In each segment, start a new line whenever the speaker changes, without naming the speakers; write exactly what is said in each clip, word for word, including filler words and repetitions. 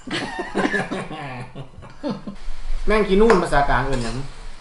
แม่งกินนู่นภาษากลางเอื่นอย่าง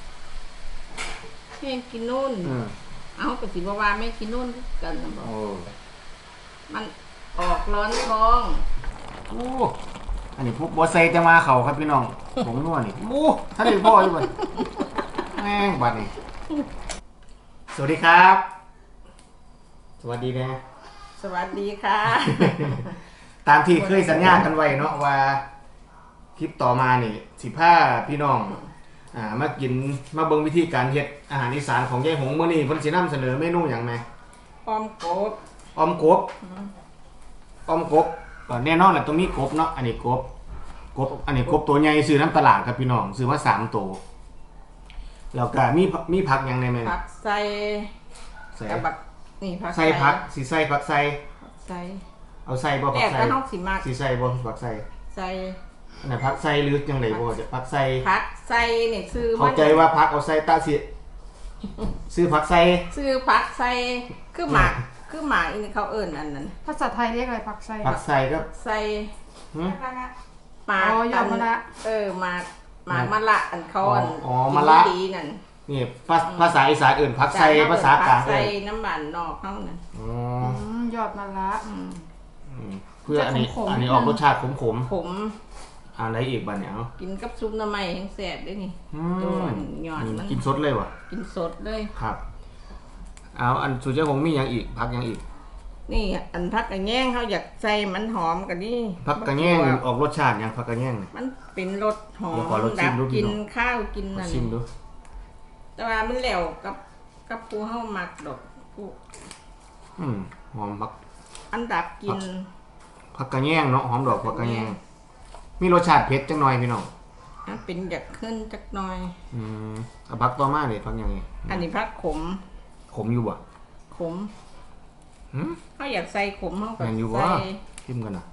แม่งกินนู่นเอากระสีบวาแม่งกินนู่นกันนะบอกมันออกร้อนท้อง
โอ้อันนี้พวกบัวไซจะมาเขาครับพี่น้องผมนวดนี่โอ้ท่านเป็นพ่ออยู่บ่แม่งบัดนี่สวัสดีครับสวัสดีนะ
สวัสดีค่ะ
ตามที่เคยสัญญากันไว้เนาะว่าคลิปต่อมานี่สิพาพี่น้องอ่ามากินมาเบิ่งวิธีการเฮ็ดอาหารอีสานของยายหงมื้อนี้เพิ่นสินำเสนอเมนูหยังแม่
ออมกบ
ออมกบออมกบก็แน่นอนแหละตรงนี้กบเนาะอันนี้กบกบอันนี้กบตัวใหญ่ซื้อน้ำตลาดครับพี่น้องซื้อมาสามตัวแล้วก็มีมีผักหยังในแม่
ผักใส่ใส่บักนี่ผัก
ใส่ผักสิใส่ผักใส่
ใส่
เอาใส่บ่ผักใส่สิใส่บ่ผักใส่
ใส่
อันไหนผักใส่หรือจังได๋บ่ผักใส่
ผักใส่นี่ซื้อ
เข้าใจว่าผักเอาใส่ตาสิซื้อผักใส่
ซื้อผักใส่คือหมากคือหมากอีนี่เขาเอิ้นอันนั้น
ภาษาไทยเรียกอะไรผักใส่
ผักใส่ก็
ใส่
หึ
หมาก
ยอดมะละ
เออหมากหมากมะละอันเขาอัน
อ๋อมะละ
ดีนั่น
นี่ภาษาอีสานเอื่นผักไส่ภาษากลาง
ใส่น้ำมันนอกเขานั่น
อ๋
อยอดมะละ
เพื่ออันนี้อันนี้ออกรสชาติขมขม
ขม
อันไหนอีกบ้านเนี่ย
กินกับซุปน้ำมันแห้งแสบด้วยนี่ตัวยอดมัน
กินสดเลยวะ
กินสดเลย
ครับเอาอันสุดเจ้าคงมีอย่างอีกผักอย่างอีก
นี่อันผักกระแยงเขาอยากใส่มันหอมกันนี่
ผักกระแยงออกรสชาติอย่างผักกระแยง
มันเป็นรสหอมดับกินข้าวกินนั่นแต่ว่ามันแล้วกับกับปูเฮาหมักดอกปู
อืมหอมผัก
อันดับกิน
ผักกระแยงเนาะหอมดอกผักกระแยงมีรสชาติเผ็ดจังหน่อยพี่น้อง
เป็นอยากขึ้นจักหน่อย
อืมเอาผักต่อมาเลยผักยังไง
อันนี้ผักขม
ขมอยู่บ่
ขมเขาอยากใส่ขมเขาก็
ใส่ชิมกันนะ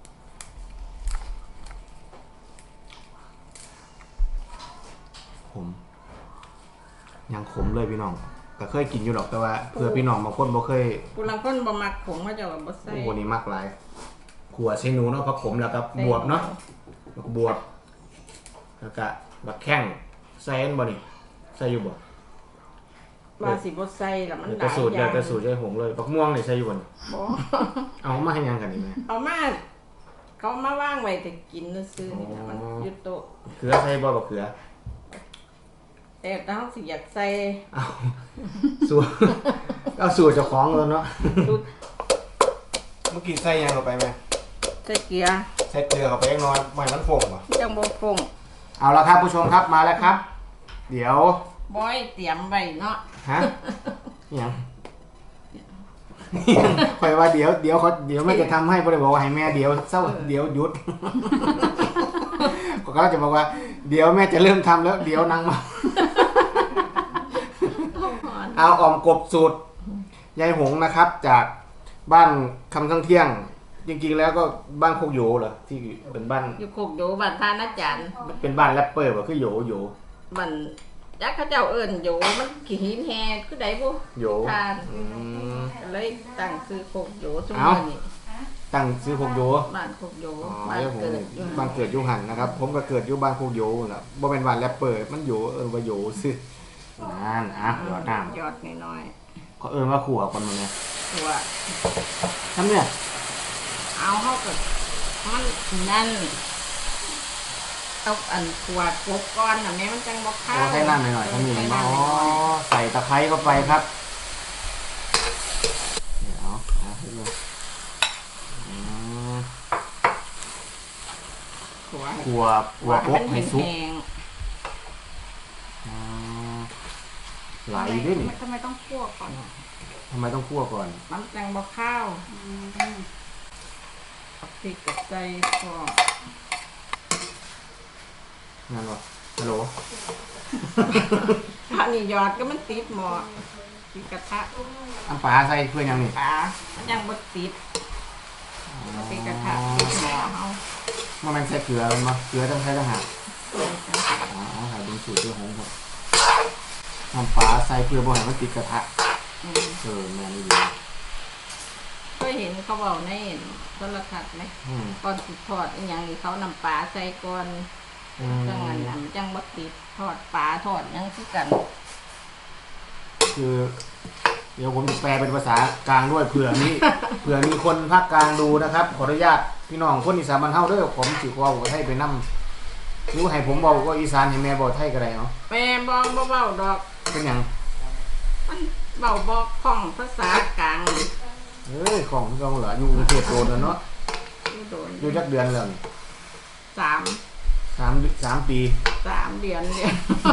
ขมยังขมเลยพี่น้องแต่เคยกินอยู่หรอกแต่ว่าเพื่อพี่น้องบางคนบ่เคย
ผู้บางคนบ่มักขมเขาจะบ่ใส่
โอ้โหนี่มากหลายขัวใส่หนูเนาะผักขมแล้วก็บวบเนาะแล้วก็บวบแล้วก็บักแข้งใส่บ่นี่ใส่อยู่บ่
ว่าสิบ่ใส่ละมันหลายอย่าง
แต่สูตรแล้วแต่สูตรใจหงเลยบักม่วงนี่ใส่อยู่บ่นี่
บ่
เอามาให้ยังกันนี่แม่
เอามาเขามาว่างไว้แต่กินซื่อๆนี่นะมันอยู่โต๊ะ
เขือใส่บ่บักเขือ
แต่ถ้าเขาสิอยากใส่
เอาสูตรเอาสูตรเจ้าของเลยเนาะเมื่อกี้ใส่ยังเข้าไปไหม
ใส่เกลือ
ใส่เกลือเข้าไปน้อยไม่มันฟงป่ะ
จังบ่ฟง
เอาละครับผู้ชมครับมาแล้วครับเดี๋ยว
บอยเตรียมไว้เนาะ
ฮะยังคอยว่าเดี๋ยวเดี๋ยวเขาเดี๋ยวแม่จะทำให้พ่อเลยบอกว่าให้แม่เดี๋ยวเศร้าเดี๋ยวหยุดก็จะบอกว่าเดี๋ยวแม่จะเริ่มทำแล้วเดี๋ยวนั่งมาเอาออมกบสูตรยายหงนะครับจากบ้านคำทั้งเที่ยงจริงๆแล้วก็บ้านโคกโยเหรอที่เป็นบ้าน
อยู่โคกโยบ้านท่านาจัน
เป็นบ้านแรปเปอร์ว่าคือโยโย
บ้านยักษ์เขาเจ้าเอิญโยมันขี้หินแฮคือใดบุ
โย
ทานเลยตั้งซื้อโคกโยช่วงนี้
ตั้งซื้อโคกโย
บ้านโคกโยบ้านเกิด
บ้านเกิดยุหันนะครับผมก็เกิดอยู่บ้านโคกโยแหละบ่เป็นบ้านแรปเปอร์มันโยเออว่าโยซื้อนั่นอ่ะยอดน้ำ
ยอดน้อย
ๆเขาเอิญว่าขั่วคนมันเนี่ย
ขั่ว
ทำเนี่ย
เอาเข้ากับมันนั่นเอาอันขวดกบก้อนแบบนี้มันจังบอกข้าว
ให้น้ำหน่อยๆถ้ามีอ๋อใส่ตะไคร้เข้าไปครับเดี๋ยวเอาให้ดูขัวขัวขัวกบให้ซุปไหลด้วยนี่
ทำไมต้องคั่วก่อน
ทำไมต้องคั่วก่อน
มันจังบอกข้าวพริกกับใจก็
นั่นวะฮัลโหล
อันนี้ยอดก็มันติดหม้อติดกระทะ
อันปลาใส่เพื่อนยังนี่
ปลามันยังบดติดติดกระทะติดหม้อเขา
มันมันใส่เกลือมันมาเกลือต้องใช้ทหารอ๋อหาดูสูตรเจ้าของครับน้ำปลาใส่เพื่อบ่ให้มันติดกระทะเออแม่นี่ดี
เคยเห็นเขเขาบอกในโทรทัศน์ไหม
อืม
ก่อนสิทอดอีหยังนี่เขานำปลาใส่ก่อน
อืม
จังอันนั้นจังบ่ติดทอดปลาทอดหยังคือกัน
คือ เดี๋ยวผมจะแปลเป็นภาษากลางด้วยเผื่อมี เผื่อมีคนภาคกลางดูนะครับ ขออนุญาตพี่น้องคนอีสานบ้านเฮาเด้อผมสิเว้าไทยไปนำหรือให้ผมเว้าก็อีสานให้แม่เว้าไทยก็ได้เนาะ
แม่บ่บ่เว้าดอก
เป็นหยัง
มันเว้าบ่คล่องภาษากลาง
เอ้ยของเราเหรออยู่กรุงเทพโดนแล้วเนาะ
อยู่โดน
อยู่จักเดือนแล้วนี่
สาม
สามสามปี
สามเดือนเดียว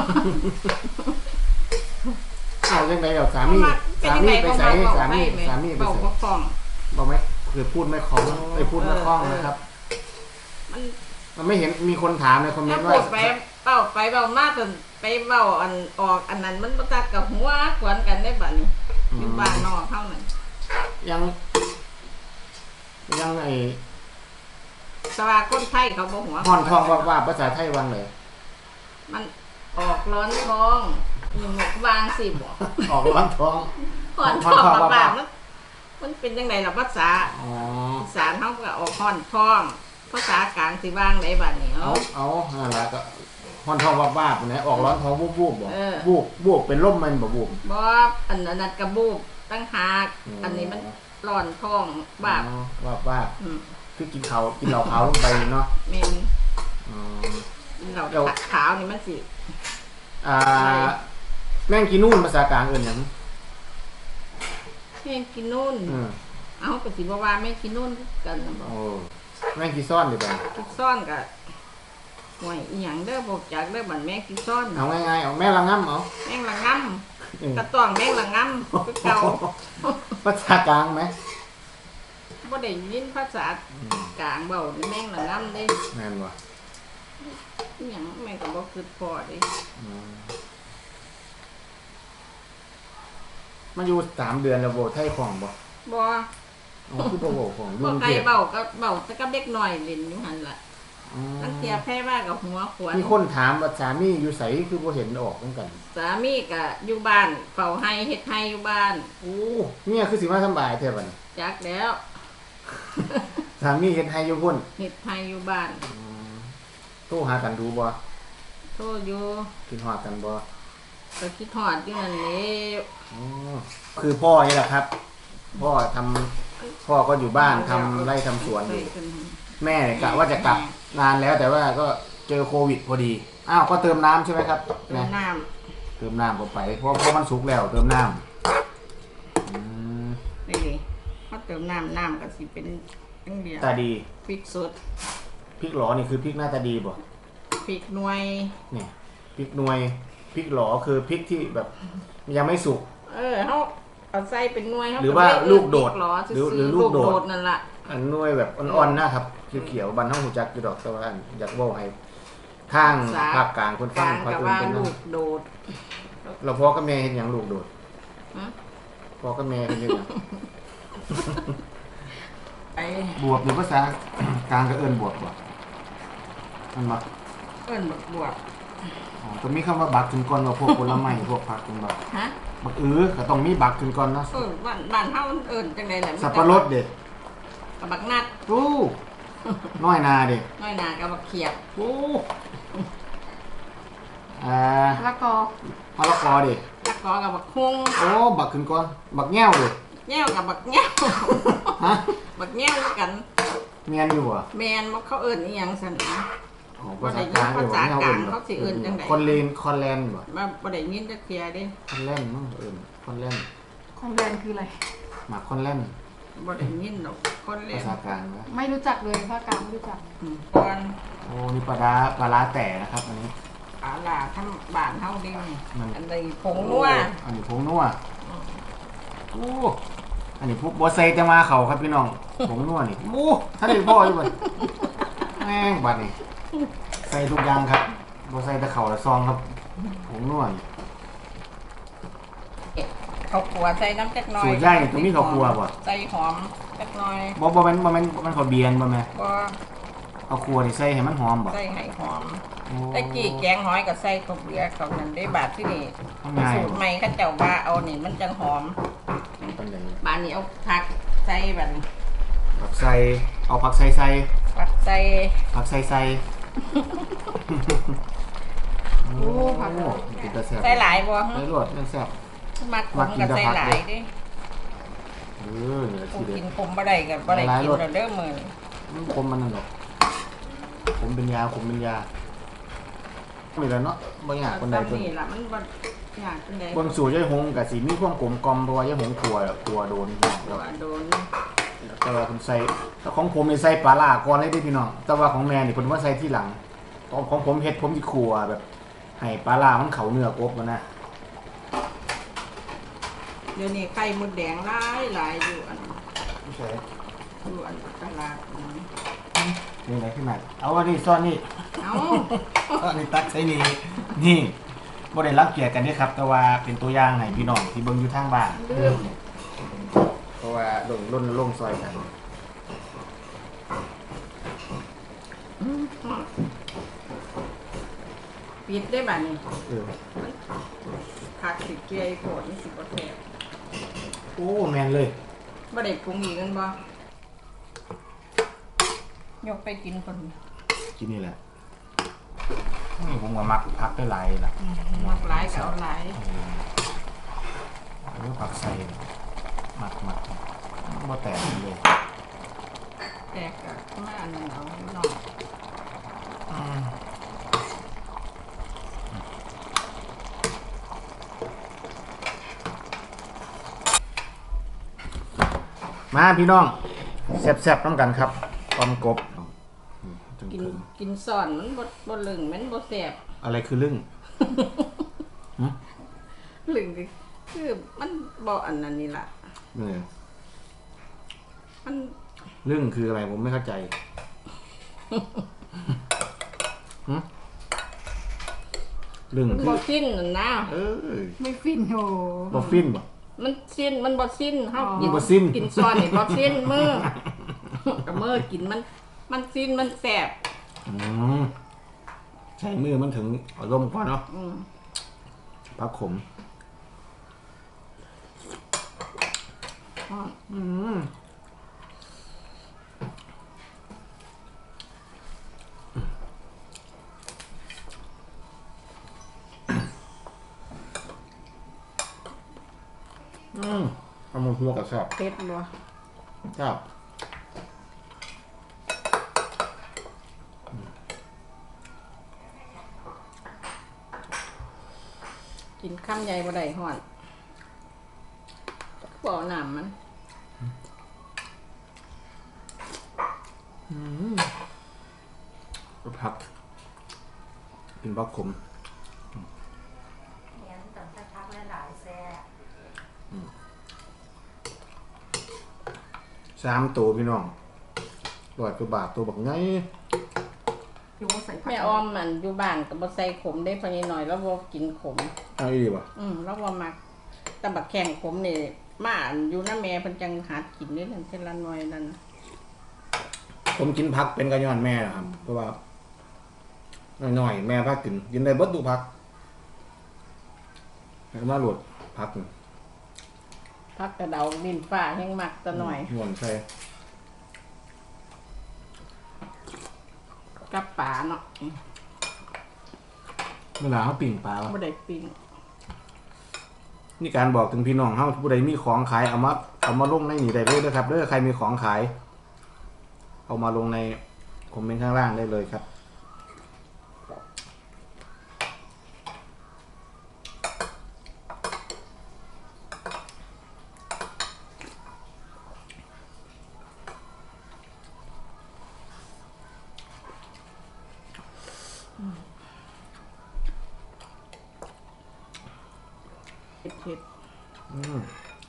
เอาจังได๋ดอกสามีสามีไปใส่สามีสามีไป
เว้า
ใส่
บ่คล่อง
บอกไหมคือพูดไม่คล่องไปพูดไม่คล่องนะครับ
มัน
มันไม่เห็นมีคนถามในคอมเม
ถ้าน
ต์
พู
ว่า
ดไปเว้าไปเว้ามาจนไปเว้าอันออกอันนั้นมันบ่ตัดกับหัวกวนกันได้บัดนี้อยู่บ้านนอกเท่านั้น
ยังยังไอ้
แต่ว่าคนไทยเขาบ่หัว
ห่อนทองว่าว่าภาษาไทยวังเลย
มันออกร้อนท้องมีหมกวางสิบ่
ออกร้อนท้อง
ห่อนท้องบาบๆมันมันเป็นจังไดล่ะภาษา
อ๋อ
อีสานเฮาก็ออกห่อนท้องภาษากลางสิวางได้บัดนี้
เอา
เอา
เอานั่นแหละก็ห่อนทองว่าว่าปนะออกร้อนท้องวูบวูบบ่
เออ
วูบวูบเป็นร่มมันบ่วูบ
บ่อันนั้นกระบูบตั้งหาก
อืม
อันนี้มันร้อนท้องบาบ
อ๋อว่าว่า
อืม
คือกินเขาวกินเหล้าขาวลงไปเนาะ
แม่น
อ๋อ
เรา
เดี๋ยว
ขาวนี่มันสิ
อ่าแม่งกินนู่นภาษากลางเอื่นหยัง
แม่งกินนู่น
อืม
เอาก็สิบ่ว่าแม่งกินนู่นคือกันน่ะบ่
โอ้แม่งกินซ่อนดีบ่
กินซ่อนก็ห่วยอีหยังเด้อบ่จักเด้อบัดแม่งกินซ่อน
เอาง่ายๆเอาแม่ละง่ำเอา
แม่งละงำ
อืม
กระต้องแม่งละงำคือเก่า
ภาษากลางไหม
บ่ได้ยินภาษากลางเว้านี่แม่งละงำเด้
แม่นบ่
อีหยังแม่งก็บ่คิดพอเด้
อืมมาอยู่สามเดือนแล้วโบไทยของบ่
บ่
อ๋อคือบ่โบของอยู่
บ่
กรุง
ใคร
เทพ
เว้าก็เว้าแต่กับเด็กน้อยเล่นอยู่หั่นล่ะ
อืม
ตั้งเทียแพ้ว่ากับหัวขวาน
มีคนถามว่าสามีอยู่ไสคือบ่เห็นออกเหมือนกัน
สามีก็อยู่บ้านเฝ้าให้เฮ็ดให้อยู่บ้าน
โอ้เมียคือสิมาสำบายแท้บัดนี้
จักแล้ว
สามีเฮ็ดให้อยู่พุ่น
เฮ็ดให้อยู่บ้าน
อืมโทรหากันดูบ่
โทษอยู่
กินฮอดกันบ่
ก็คิดฮอดอยู่นั่นแหละ
อ๋อคือพ่อนี่แหละครับ พ่อทำพ่อก็อยู่บ้านทำไร่ทำสวนอยู่ แม่เนี่ยกะว่าจะกลับนานแล้วแต่ว่าก็เจอโควิดพอดี อ้าวก็เติมน้ำใช่ไหมครับ
เติมน้
เติมน้ำเข้าไปเพราะเพราะมันสุกแล้วเติมน้ำอืม
ำนี่ดิพอเติมน้ำน้ำก็สิเป็นจังเดียว
ตาดี
พริกสด
พริกหลอนี่คือพริกหน้าตาดีบ่
พริกหน่วย
เนี่ยพริกหน่วยพริกหลอคือพริกที่แบบยังไม่สุก
เออเฮาเอาใส่เป็นหน่วยเฮา
หรือว่าลูกโดด
หรอ
หรือหรือ
ลู
ลู
ก
ก
โด
โด
ด
ด
นั่นล่ะ
อันหน่วยแบบอ่อนๆนะครับเขียวๆบันเฮาหูจักอยู่ดอกแต่ว่าอันอยากเว้าให้ทางภาคกลางคน
ก
ฟัง
ลาง
เขา
กับ
เอิ้น
ว่า
เป็น
ลูกโดด
เราพ่อกับแม่เห็นหยังลูกโดด
ฮะ
พ่อกับแม่เห็นหยัง
ไป
บวบหรือภาษากลางก็เอิ้นบวบบ่มันบ่
เอิ้นบักบวบ
อ๋อต้องมีคำว่าบักขึ้นก่อนว่าพวกผลไม้พวกผักเป็นบัก
ฮะ
บักอื้อก็ต้องมีบักขึ้นก่อนเนาะ
เออบ้านบ้านเฮาเอิ้นจังไดล่ะ
สับปะรดเด้
กับบักนัด
โอ้น้อยนาเด้
น้อยหนากับบักเขียบ
โอ้อ่า
แล้วก็
มะละกอเด้
ตะกอกับบักฮุง
โอ้บักขึ้นก่อนบักแง้วเด้
แง่วกับบักแง่ว
ฮะ
บักแง่วกัน
แม่นอยู่บ่
แมนบ่เขาเอิ้นอีหยังซั่นนะ
อ๋อภาษากลางเด้บ่
ภาษากลาง
บ่
เขาสิเอิ้นจังใด
คอนเลนคอนแลนบ่
มาบ่ได้ยินจักเที่ยเด้
คอนแลนมั้งเอิ้นคอนแลน
ของแดนคืออะไร
หมากคอนแลน
บ่ได้ยินดอกคนเล่
ภาน ษากลางนะ
ไม่รู้จักเลยภาคกลางไม่รู้จัก
อืมก่อน
โอ้นี่ปลาร้าปลาร้าแต่นะครับอันนี้
อาล่ะทำบ้านเฮาเด้
มัน
อันใดผงนัว
อันนี้ผงนัวโอ้อันนี้พวกบัวใส่แต่มาเขาครับพี่น้องผงนัวนี่โอ้ถ้าได้พ่ออยู่บ่แม่งบัดนี่ใส่ทุกอย่างครับบัวใส่แต่เขาละซองครับผงนัวนี่
ข้าวคั่วใส่น้ำจักหน่อย
สูตรใหญ่ตรงนี้ข้าวคั่วบ่
ใส่หอมจักหน่อย
บ่บ่แม่นบ่แม่นมันข้าวเบียนบ่แม่
บ่
เอาครัวนี่ใส่ให้มันหอมบ่
ใส่ให้หอม
โอ้
ตะกี้แกงหอยก็ใส่ข้าวเบียร์เขานั่นได้บาดที่นี่
ง่าย
สูตรใหม่เขาเจ้าว่าเอานี่มันจังหอม
มันเป็นได
บานนี้เอาผักใส่แบบนี้
ผักใส่เอาผักใส่ใส่
ผักใส่
ผักใส่ใส่
โอ้ผัก
โอ้กินแต่แซ่บ
ใส่หลายบ่
ใส่รวดมันแซ่บ
มักขมกับใส่หลายเด้
เออเหนือ
กู
ที่เด็ด
กินขมบ่ได้กับบ่ได้กินแล้วเด้อมื้อนี้
มันคมมันนั่นหรอกผมเป็นยาผมเป็นยาไม่แล้วเนาะบางอย่างคนใดคน
นี่ล่ะมันบ่ยากจังได๋
คนสู่ยายหงกับสีมีความกลมกลอมเพราะว่ายายหงกลัวกลัวโดน
ตัวโดน
แต่ว่าผมใส่แต่ของผมนี่ใส่ปลาล่าก่อนเลยเด้พี่น้องแต่ว่าของแม่นี่ผมว่าใส่ที่หลังของของผมเฮ็ดผมสิขัวแบบให้ปลาล่ามันเข้าเนื้อกบมันนะ
เดี๋ยวนี้ไข่มดแดงหลายหลายอยู่อัน
ไม่ใช่
อยู่อันตลาดนี่
นี่อะไรขึ้นมาเอาอันนี้ซ่อนนี่
เอ้า
อันนี้ตักใส่นี่นี่บ่ได้รักเกียรติกันเด้ครับแต่ว่าเป็นตัวอย่างให้พี่น้องที่เบิ่งอยู่ทางบ้าน
ลืม
เพราะว่าลงล้นลงซอยกัน
ปิดได้บัดนี้
เออ
ผักสิเกลือโพดนี่สิบ่แซ่บ
โอ้แมนเลย
บ่ได้ปรุงอีกกันบ่ยกไปกินคน
กินนี่แหละนี่ผมว่ามักพักได้หลายล่ะ
มักหลายก็เอาหลาย
เออผักใส่มักมักบ่แตกเลย
แตกก็มาอันนั้นเอาหน่อย
อืมมาพี่น้องแซ่บๆน้ำกันครับออมกบ
กินกินซ่อนมันบ่บ่ลึงมันบ่แซ่บ
อะไรคือลึ่ง
ลึงก็คือมันบ่อันนั้นนี่ล่ะ
เนี่ย
มัน
ลึ่งคืออะไรผมไม่เข้าใจหึลึ่ง
มัน
คือ
บ่สิ้นนั่นนะ
เออ
ไม่ฟินโอ้
บ่ฟินบ่
มันสิ้นมันบ่สิ้นเฮา
อ๋อ
กิน
บ่สิ้น
กินซ่อนนี่บ่สิ้นมือก็มือกินมันมันสิ้นมันแซ่บ
อืมใช้มือมันถึงอารมณ์ก่อนเนาะ
อืม
พักขม
อ๋อ
อืมอืมเอามาหัวกับแซ่บ
เผ็ดบ่
ครับ
กินข้ามใหญ่บ่ได้ฮ้อนบ่เอาน้ำมัน
ผักกินผักขม
เนี่ยมันต้องสักพักหลายๆแซ่บ
สามตัวพี่น้องร้อยกว่าบาทตัวบักไง
ดูว่าใส่ผัก
แม่ออมมันอยู่บ้านก็บ่ใส่ขมได้พอนิดหน่อยแล้วบ่กินขม
เอาอีดีป่ะ
อืมแล้วบ่มักแต่บักแข้งขมนี่มาอันอยู่นำแม่เพิ่นจังหากินนี่นั่นเพิ่นละหน่อยนั่น
ผมกินผักเป็นกระยอนแม่นะครับเพราะว่าหน่อยๆแม่พักกินกินได้เบิดทุกผักแล้วมาโหลดผักนี่
ผักกระเดาดินฟ้าแห้งมักตะหน่อย
หวนใส่
กับปลาเนาะอืม
เวลาเขาปิ่งปลา
บ่ได้ปิ้ง
นี่การบอกถึงพี่น้องเฮาผู้ใดมีของขายเอามาเอามาลงในนี่ได้เลยนะครับเด้อใครมีของขาย เอามาลงในคอมเมนต์ข้างล่างได้เลยครับ
เผ็ด
อืม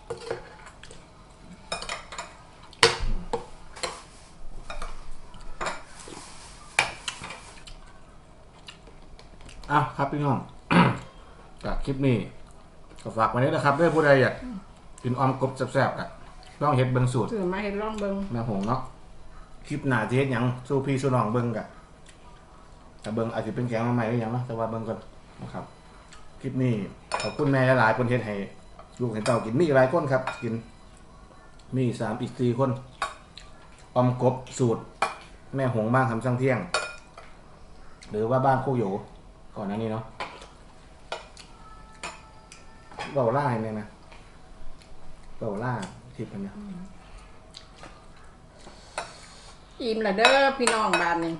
อ่ะครับพี่น้อง จากคลิปนี้ก็ฝากไว้นี้นะครับเด้อผู้ใดอยากกินออมกบแซ่บๆอ่ะลองเฮ็ดเบิ่งสูตร
ๆซื้อมาให้ลองเบิ่ง
แม่หงเนาะคลิปหน้าจะเฮ็ดหยังสู้พี่สู้น้องเบิ่งกะแต่เบิ่งอาจจะเป็นแกงมาใหม่หรือหยังเนาะแต่ว่าเบิ่งก่อนนะครับ คลิปนี้ขอบคุณแม่หลายๆคนเฮ็ดให้ลูกให้เต้ากินมีอีกหลายคนครับ กินมีสามอีกสี่คนออมกบสูตร แม่หงบ้างคำสั่งเที่ยง หรือว่าบ้านโคกโยก่อนหน้านี้เนาะเบาล่าเนี่ยนะเบาล่าทิพย์อันเนี่ย
อิ่มละเด้อพี่น้องบ้านนี่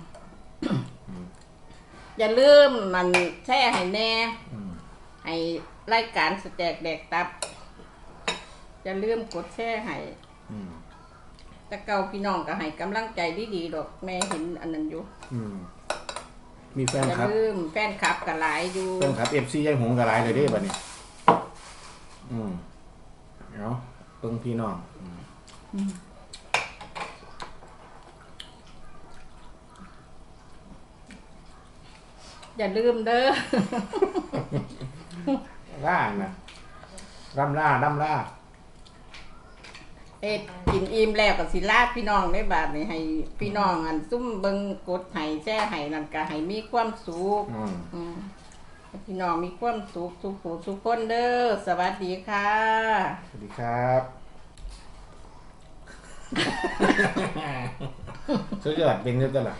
อย่าลืมมันแช่ให้แน่
อืม
ให้รายการสแต็กแดกตับอย่าลืมกดแชร์ให้
อืม
แต่เก่าพี่น้องก็ให้กำลังใจดีๆดอกแม่เห็นอันนั้นอยู่
อืมมีแฟน
อย่า
ครับ
ลืมแฟนคลับก็หลายอยู่
แฟนครับเอฟซียายหงกระไรเลยเด้บัดนี้ อืมเนาะเบิ่งพี่น้องอืม
อย่าลืมเด้อ
ล่านะร่ำล่าร่ำล่า
เอ็ดกินอิ่มแล้วก็สิลาพี่น้องได้บาดนี้ให้พี่น้องอันซุ่มเบิ่งกดให้แชร์ให้นั่นก็ให้มีความสุข
อืม
อืมให้พี่น้องมีความสุขทุกผู้ทุกคนเด้อสวัสดีค่ะ
สวัสดีครับ สุดยอดเป็นเยอะจังล่ะ